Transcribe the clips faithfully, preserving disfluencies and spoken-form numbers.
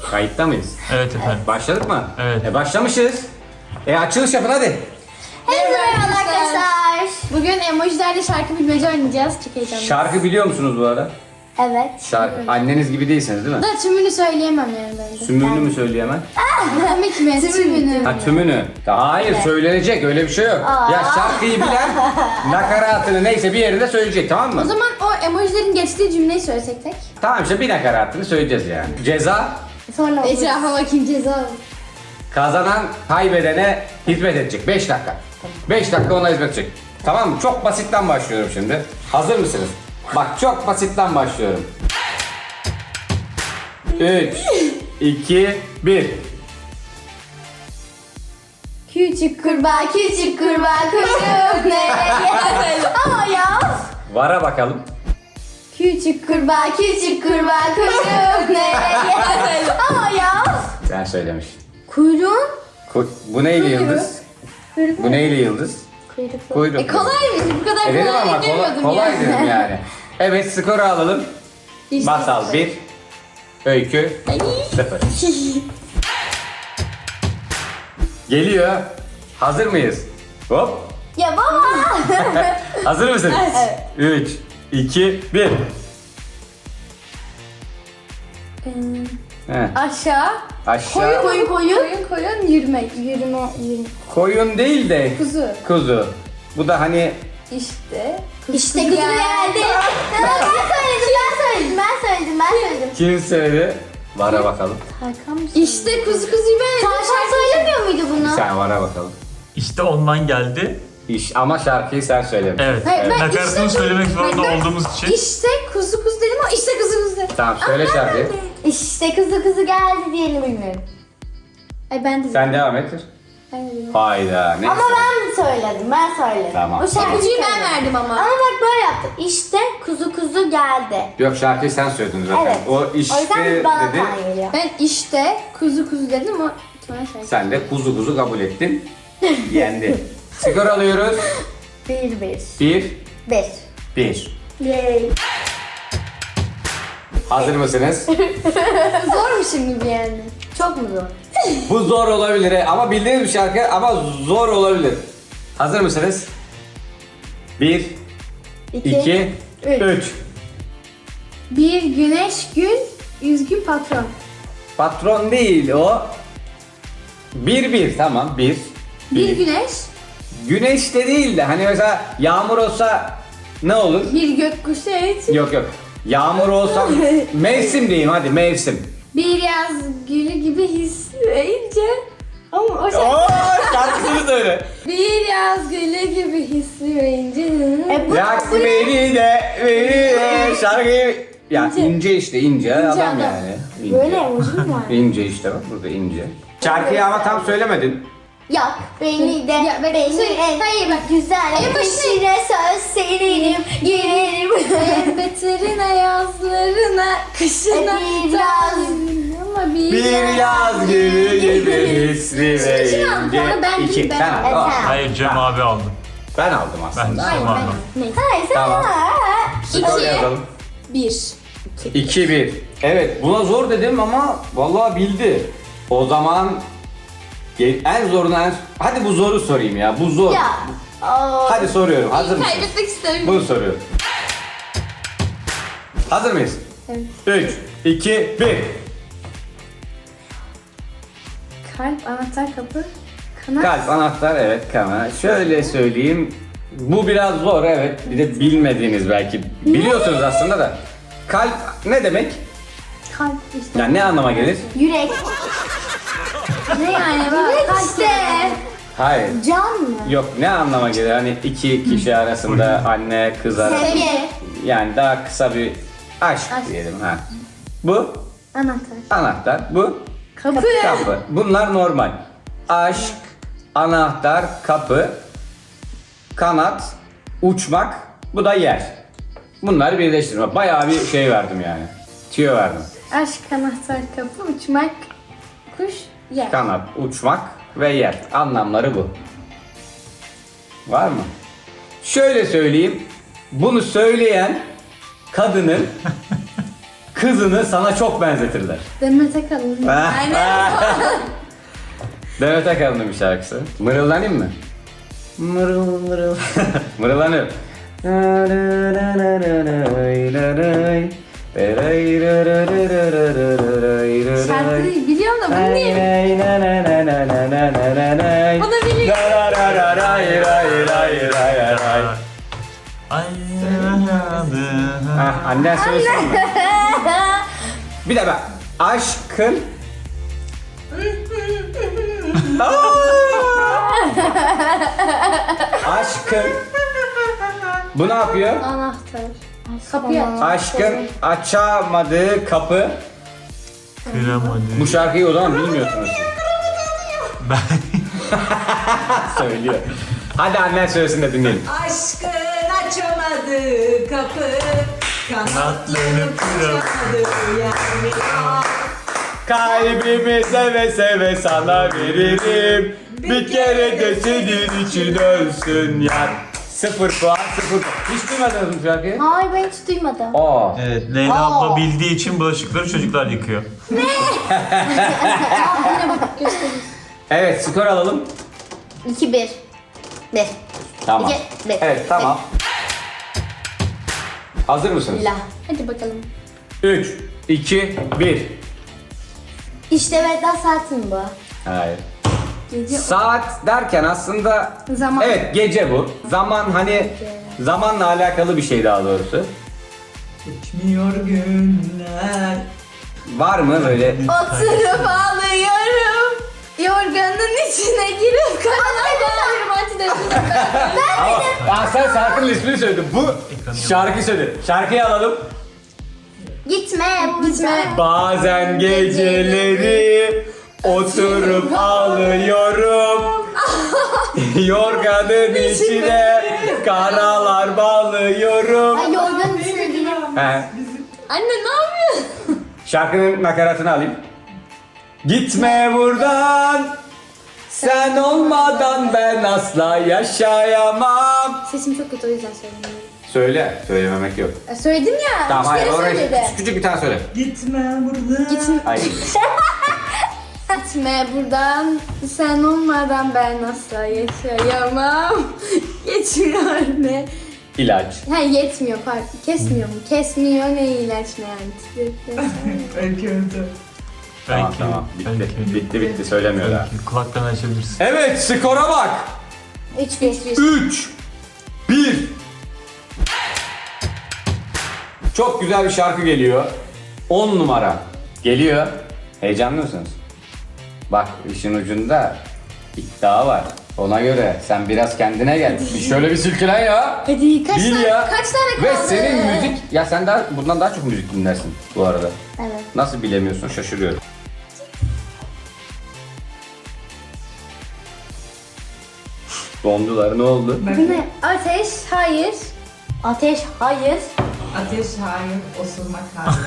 Kayıtta mıyız? Evet efendim. Başladık mı? Evet. E başlamışız. E açılış yapın hadi. Merhaba arkadaşlar. Bugün emojilerle şarkı bilmece oynayacağız. Çok heyecanlıyım. Şarkı biliyor musunuz bu arada? Evet. Şarkı. Anneniz gibi değilsiniz değil mi? Da tümünü söyleyemem yani bence. Tümünü mü söyleyemem? Demek mi? Tümünü. Ha tümünü. Hayır söylenecek öyle bir şey yok. Ya şarkıyı bilen nakaratını neyse bir yerinde söyleyecek tamam mı? O zaman o emojilerin geçtiği cümleyi söylesek tek. Tamam işte bir nakaratını söyleyeceğiz yani. Ceza Sonra Etrafa bakayım ceza. kazanan kaybedene hizmet edecek. beş dakika. beş dakika ona hizmet edecek. Tamam mı? Çok basitten başlıyorum şimdi. Hazır mısınız? Bak çok basitten başlıyorum. üç, iki, bir. Küçük kurbağa, küçük kurbağa kuyruğu nereye? Ama ya. Vara bakalım. Küçük kurbağa, küçük kurbağa kuyruğu nereye? Ama ya. Sen söylemiştin. Kuyruğun? Ku- Bu neyle yıldız? Kuyruk. Bu neyle yıldız? Kuyruk. Kuyruk. E kolaymış, bu kadar E dedim kolay ama kolay, gelmiyordum kolay ya. dedim yani. Evet skoru alalım. İşte Masal sıfır. bir. Öykü sıfır. Geliyor. Hazır mıyız? Hop. Ya baba. Hazır mısın? Evet. üç, iki, bir. He. Aşağı. Aşağı. Koyun koyun. Koyun koyun yürüme. Yürüme yürüme. Koyun değil de Kuzu. kuzu. Bu da hani İşte. İşte kuzu geldi. Ben söyledim ben söyledim ben söyledim ben söyledim. kim söyledi? Vara bakalım. Hakan mı? İşte kuzu kuzuyu ben. Tavşan söylemiyor muydu bunu? Sen vara bakalım. İşte ondan geldi. İş ama şarkıyı sen söylemişsin. Evet. Hayır, ben Nakaratını işte- söylemek zorunda Ben- olduğumuz için. İşte kuzu kuzu dedim ama işte kuzu kuzu dedim. Tamam söyle şarkıyı. İşte kızı kızı geldi diyeni bilmiyorum. Ay ben de Sen devam et. Ben de dedim. Hayda neyse. Ama ben söyledim, ben söyledim. Tamam. O şarkıyı İpucuyu ben söyledim. verdim ama. Ama bak böyle yaptım. İşte kuzu kuzu geldi. Yok şarkıyı sen söyledin zaten. Evet. O O işte yüzden bana dedi. puan geliyor. Ben işte kuzu kuzu dedim ama sonra şey. Sen de kuzu kuzu kabul ettin. Yendi. Skor alıyoruz. Bir bir. Bir, Bir. bir. Yay. Hazır mısınız? Zor mu şimdi bir yani? Çok mu zor? Bu zor olabilir he. Ama bildiğiniz bir şarkı ama zor olabilir. Hazır mısınız? Bir, İki. iki, üç. üç. Bir güneş gün, yüz gün patron. Patron değil o. Bir bir tamam bir. Bir güneş, Güneş de değil de hani mesela yağmur olsa ne olur? bir gökkuşağı için. Yok yok. Yağmur olsa mevsim diyeyim hadi mevsim. Bir yaz gülü gibi hisleyince. Ama o şey. Oo şarkısını söyle. Bir yaz gülü gibi hisleyince. E bu, Yak bu beni de beni de şarkıyı ya İnce. ince işte ince, adam, adam. yani. İnce. böyle emoji mi var? İnce işte bak burada ince. Şarkıyı ama tam söylemedin. Yok beni de Ya ben- beni Söyle- en hayır, bak. güzel En başına- peşine söz serinim girerim. Beterine yazlarına, kışına. Bir yaz. Ama bir, Bir yaz gülü gibi hisli ve Şimdi al, ince. sonra ben İki. değil, ben Sen al. al. Evet, Al. sen al. Hayır Cem abi aldı. Ben aldım Ben aslında. Cem Ben- aldım. Neyse. Hayır sen Tamam. Skor İki. yazalım. Bir. iki bir. Evet buna zor dedim ama vallahi bildi. O zaman ge- en zorunu en... Hadi bu zoru sorayım ya. Bu zor. Ya. Oo. Hadi soruyorum. Hazır mısın? Kaybetmek istemiyorum. Bunu soruyorum. Hazır mıyız? Evet. üç, iki, bir. Kalp, anahtar, kapı, kanat. Kalp, anahtar, evet kana. Şöyle söyleyeyim. Bu biraz zor evet. Bir de bilmediğiniz belki. Biliyorsunuz aslında da. Kalp ne demek? Kalp işte. Yani ne anlama gelir? Yürek. Ne yani? Kalp işte. Hayır. Can mı? Yok ne anlama gelir? Hani iki kişi arasında anne kız arasında. Sevgi. Yani daha kısa bir aşk, Aşk. diyelim ha. Bu Anahtar. anahtar, bu Kapı. kapı. Bunlar normal. Aşk, anahtar, kapı, kanat, uçmak, bu da yer. Bunları birleştirme. Bayağı bir şey verdim yani. Tüyo verdim. Aşk, anahtar, kapı, uçmak, kuş, yer. Kanat, uçmak ve yer. Anlamları bu. Var mı? Şöyle söyleyeyim. Bunu söyleyen kadının kızını sana çok benzetirler. Demet Akalın. Aynen. Demet Akalın'ın bir şarkısı. Mırıldanayım mı? Mırıl mırıl. Mırıldanıyorum. Şarkıyı biliyorum da bunu niye? O da biliyor. Ay Ah, annen söylesin mi? Bir de bak. Aşkın Aşkın Bu ne yapıyor? Anahtar. Kapıyı aç. Aşkın açamadığı kapı. Kıramadı. Bu şarkıyı o zaman bilmiyorsunuz. Ben Söylüyor. Hadi annen söylesin de dinleyelim. Aşkın açamadı kapı, kanatlanıp uçamadı yani. Kalbimi seve seve sana veririm. Bir kere de senin için ölsün yar. Sıfır puan, sıfır puan. Hiç duymadınız mı şarkıyı? Hayır ben hiç duymadım. Aa. Evet, Leyla Aa. abla bildiği için bulaşıkları çocuklar yıkıyor. Evet, skor alalım. iki bir. bir. Tamam. İki, bir. Evet, tamam. Hazır mısınız? La. Hadi bakalım. üç, iki, bir. İşte Veda Saatin bu. Hayır. Gece Saat derken aslında Zaman. evet gece bu. Zaman hani zamanla alakalı bir şey daha doğrusu. Geçmiyor günler. Var mı böyle? oturup ağlıyorum. Yorganın içine girip kaynağım. Antidepresan. Ama Aa, sen şarkının ismini söyledin. Bu şarkı söyledi. Şarkıyı alalım. Gitme buradan. Gitme. Bazen geceleri oturup ağlıyorum. Yorganın içine karalar bağlıyorum. Ay yorganın içine girip. He. Anne ne yapıyorsun? Şarkının nakaratını alayım. Gitme buradan. Sen olmadan ben asla yaşayamam. Sesim çok kötü o yüzden söylemiyorum. Söyle. Söylememek yok. E, söyledim ya. Tamam üç hayır kere oraya söyledi. küçük, küçük bir tane söyle. Gitme buradan. Gitme, Hayır. gitme buradan. Sen olmadan ben asla yaşayamam. Geçmiyor ne? İlaç. Ha yetmiyor pardon. Kesmiyor mu? Kesmiyor ne ilaç ne antidepresan. Belki öldü. Tamam Belki, tamam. Bitti. belki. Bitti bitti söylemiyorlar. Belki kulaktan açabilirsin. Evet skora bak. üç bir. üç bir. Çok güzel bir şarkı geliyor. on numara. Geliyor. Heyecanlı mısınız? Bak işin ucunda iddia var. Ona göre sen biraz kendine gel. Bir şöyle bir silkelen ya. Hadi kaç Bil tane, ya. kaç tane Ve kaldı? senin müzik... Ya sen daha bundan daha çok müzik dinlersin bu arada. Evet. Nasıl bilemiyorsun şaşırıyorum. Dondular ne oldu? Bu ne? Ateş, hayır. Ateş hayır. Ateş hayır, osurmak hayır.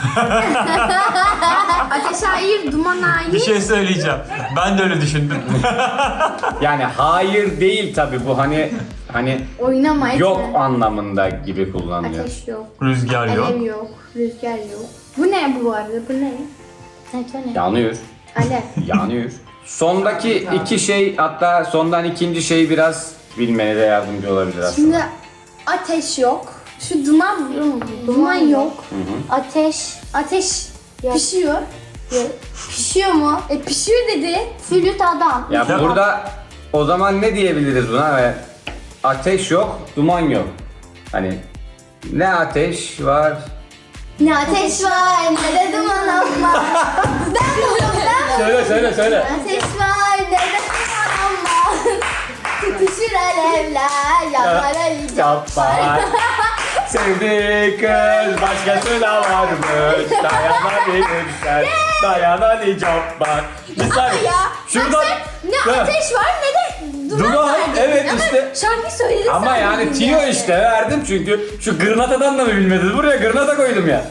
Ateş hayır, duman hayır. Bir şey söyleyeceğim. Ben de öyle düşündüm. Yani hayır değil tabi bu hani hani Oynama etme. yok anlamında gibi kullanılıyor. Ateş yok. Rüzgar yok. Alev yok. Rüzgar yok. Bu ne bu arada? Bu ne? Evet o ne? Yanıyor. Alev. Yanıyor. Sondaki iki şey hatta sondan ikinci şey biraz bilmene de yardımcı olabilir aslında. Şimdi ateş yok. Şu duman, duman yok. Ateş. Ateş Yok. pişiyor. Pişiyor mu? E pişiyor dedi. Flüt adam. Ya Ya- burada o zaman ne diyebiliriz buna? Ve ateş yok, duman yok. Hani ne ateş var? Ne ateş var ne de duman ama. Ben biliyorum ben Söyle söyle söyle. Ateş var ne de duman ama. Tutuşur alevler yanar Ali Cabbar. Sevdiği kız başkasına varmış. Dayanabilirsen dayanani cabbar. Bir saniye. Ya Şuradan. bak sen ne Ha. ateş var ne de duman Duman, var dedin evet ama işte. şarkı söyledin Ama sen yani dedin tiyo yani. işte verdim çünkü şu gırnatadan da mı bilmediniz? Buraya gırnata koydum ya.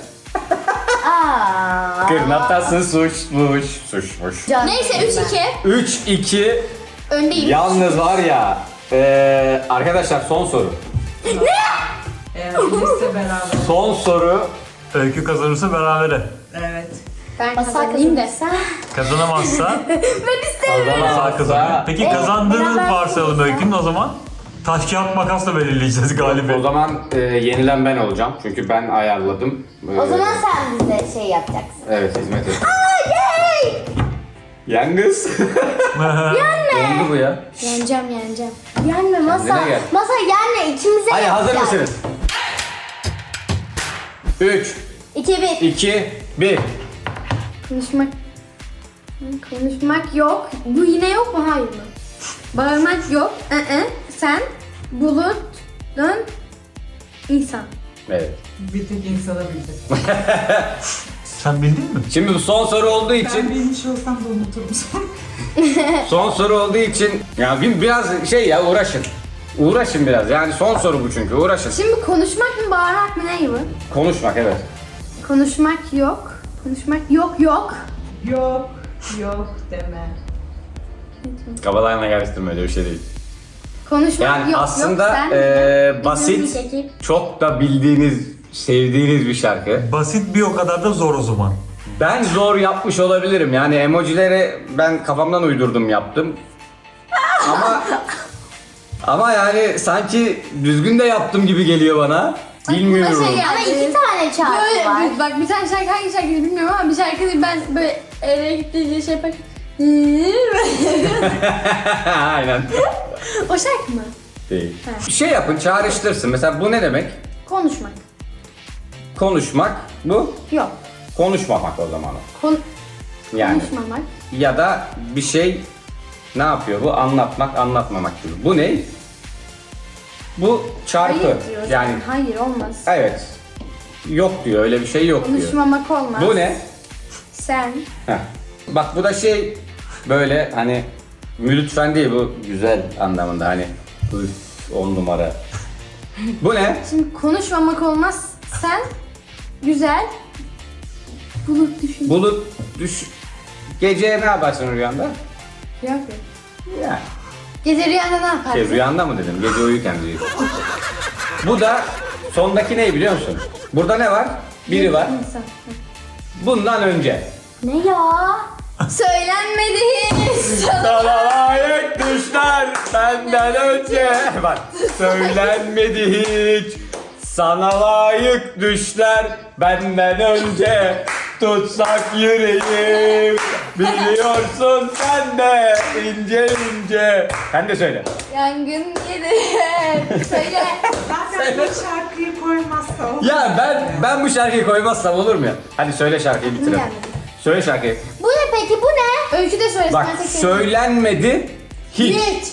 Aa. Gırnatası suçmuş, suçmuş. Can- Neyse üç iki üç iki. öndeyim. Yalnız var ya. eee, arkadaşlar son soru. Eğer bilirse beraber. Son soru. Öykü kazanırsa berabere. Evet. Ben Masal kazanayım da. kazanırsa. Kazanamazsa Masal kazanıyor. Kazanamazsa Peki Evet, kazandığını beraber varsayalım Öykü'nün, o zaman taş kağıt makasla belirleyeceğiz o galibi. zaman e, yenilen ben olacağım. Çünkü ben ayarladım. O Ee, zaman sen bize şey yapacaksın. Evet, hizmet et. Yay! Yalnız. Dondu bu ya. Yeneceğim yeneceğim. Yenme masa. Kendine gel. Masa yenme, içimize Hadi hazır yapacağız. mısınız? üç, İki bir. iki, bir. Konuşmak. Konuşmak yok. Bu yine yok mu? Hayır mı? Bağırmak yok. Ee, sen bulut dön insan. Evet. Bir tek insana bildim. Sen bildin mi? Şimdi bu son soru olduğu Ben için, bilmiş olsam da unuturum sonra. son soru olduğu için ya bir- biraz şey ya uğraşın. Uğraşın biraz. Yani son soru bu çünkü. Uğraşın. Şimdi konuşmak mı bağırmak mı ne bu? Konuşmak, evet. Konuşmak yok. Konuşmak yok yok. Yok, yok deme. Kafalarına karıştırma, öyle bir şey değil. Konuşmak Yani yok aslında yok. Sen eee, bizim basit, ekip. çok da bildiğiniz, sevdiğiniz bir şarkı. Basit bir o kadar da zor o zaman. Ben zor yapmış olabilirim. Yani emojileri ben kafamdan uydurdum, yaptım. Ama ama yani sanki düzgün de yaptım gibi geliyor bana. Bilmiyorum. Aklıma şey geldi. Ama iki tane şarkı Böyle var. bir- bak bir tane şarkı hangi şarkı bilmiyorum ama bir şarkı ben böyle eve gittiğince şey yapar. Aynen. O şarkı mı? Değil. Ha. Bir şey yapın, çağrıştırsın. Mesela bu ne demek? Konuşmak. Konuşmak. Bu Yok. konuşmamak o zaman. Kon Yani Konuşmamak. ya da bir şey ne yapıyor bu? Anlatmak, anlatmamak gibi. Bu ne? Bu çarpı. Hayır diyor. Yani Hayır olmaz. evet. Yok diyor, öyle bir şey yok diyor. Konuşmamak olmaz. Bu ne? Sen. Heh. Bak bu da şey böyle hani lütfen değil, bu güzel anlamında hani üf, on numara. Bu ne? Şimdi konuşmamak olmaz. Sen. Güzel. Bulut düşün. Bulut düş. Gece ne yaparsın rüyanda? Yok. Yani. Gece rüyanda ne yaparsın? Şey, rüyanda mı dedim? Gece uyurken diyor. Bu da sondaki ne biliyor musun? Burada ne var? Biri var. İnsan. Bundan önce. Ne ya? Söylenmedi hiç. Sana layık düşler benden önce. Bak söylenmedi hiç. Sana layık düşler benden önce. Tutsak yüreğim. Biliyorsun sen de ince ince. Sen de söyle. Yangın yedi. Söyle. Zaten bu şarkıyı koymazsa o. Ya ben ben bu şarkıyı koymazsam olur mu ya? Hadi söyle şarkıyı bitirelim. Yani. Söyle şarkıyı. Bu ne peki, bu ne? Öykü de söylesin. Bak ben tek tek- söylenmedi hiç. Hiç.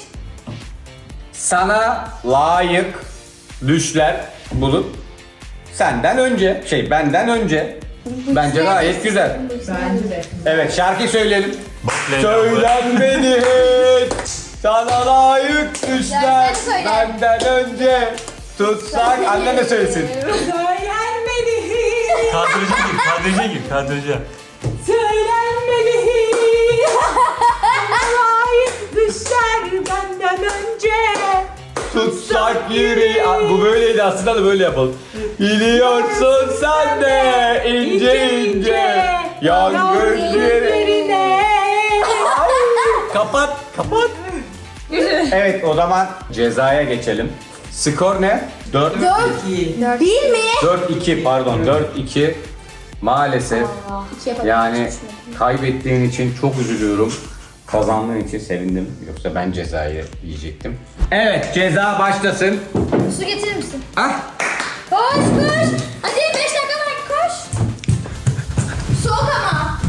Sana layık düşler bulup senden önce, şey benden önce. Bence gayet güzel. Bence de. Evet, şarkıyı söyleyelim. Bak Leyla bu. Söylenmedi hiç. Sana layık düşler Ya sen söyle. benden önce. Tutsak anne de söylesin. Söylenmedi hiç. Kadraja gir, kadraja gir, kadraja. Söylenmedi hiç. Layık düşler benden önce. Tutsak yüreği. Aa, bu böyleydi aslında da böyle yapalım. Biliyorsun sen de ince ince yangın yeri. yerine. Kapat, kapat. Evet, o zaman cezaya geçelim. Skor ne? dört İyi. Bir mi? dört iki pardon, dört iki. Maalesef İki yapalım. yani kaybettiğin için çok üzülüyorum. Kazandığın için sevindim. Yoksa ben cezayı yiyecektim. Evet, ceza başlasın. Su getirir misin? Ah, Koş koş. Hadi beş dakika var koş. Soğuk ama.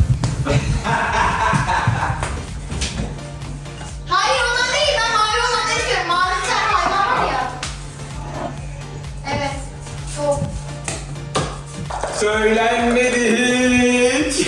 Hayır, ondan değil. Ben mavi olanları istiyorum. Mavi bir tane hayvan var ya. Evet. Soğuk. söylenmedi hiç.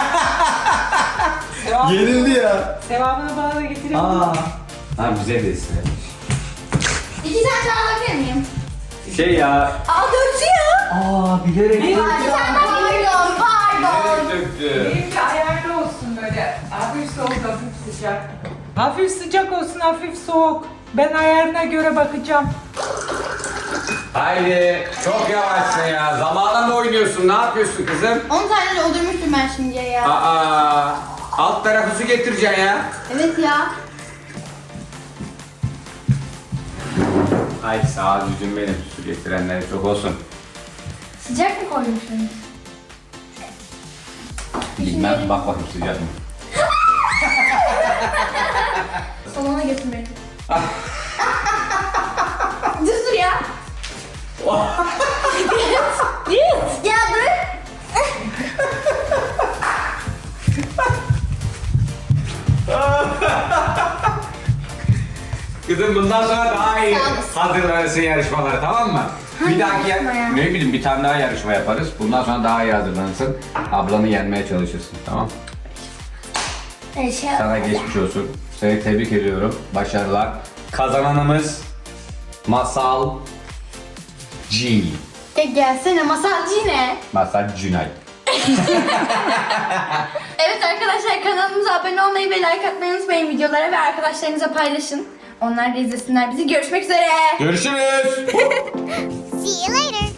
Yenildi ya. Sevabını bana da getirelim. Aa. Ha, bize de istedim. İki tane daha alabilir miyim? Şey ya. Aa, döktü ya. Aa, bilerek Bir tane daha pardon, pardon. döktü. Benimki ayarlı olsun böyle. Hafif soğuk, hafif sıcak. Hafif sıcak olsun, hafif soğuk. Ben ayarına göre bakacağım. Haydi. Çok yavaşsın ya. Zamana mı oynuyorsun? Ne yapıyorsun kızım? on tane doldurmuştum ben şimdiye ya. Aa, alt tarafı su getireceksin ya. Evet ya. Ay sağ ol yüzüm benim. Su getirenlere çok olsun. Sıcak mı koymuşsun? Bilmem. Bak bakayım sıcak mı? Salona götür beni. Dur dur ya. Git. Ya dur. Kızım bundan sonra daha iyi hazırlanırsın yarışmalara, tamam mı? Bir dahaki yarışma ya? ne bileyim bir tane daha yarışma yaparız. Bundan sonra daha iyi hazırlanırsın. Ablanı yenmeye çalışırsın, tamam mı? Şey, Sana geçmiş olsun. Seni tebrik ediyorum. Başarılar. Kazananımız Masal G. E gelsene masalcı ne? Masal Cünay. Evet arkadaşlar kanalımıza abone olmayı ve like atmayı unutmayın videolara ve arkadaşlarınıza paylaşın. Onlar da izlesinler bizi. Görüşmek üzere. Görüşürüz. See you later.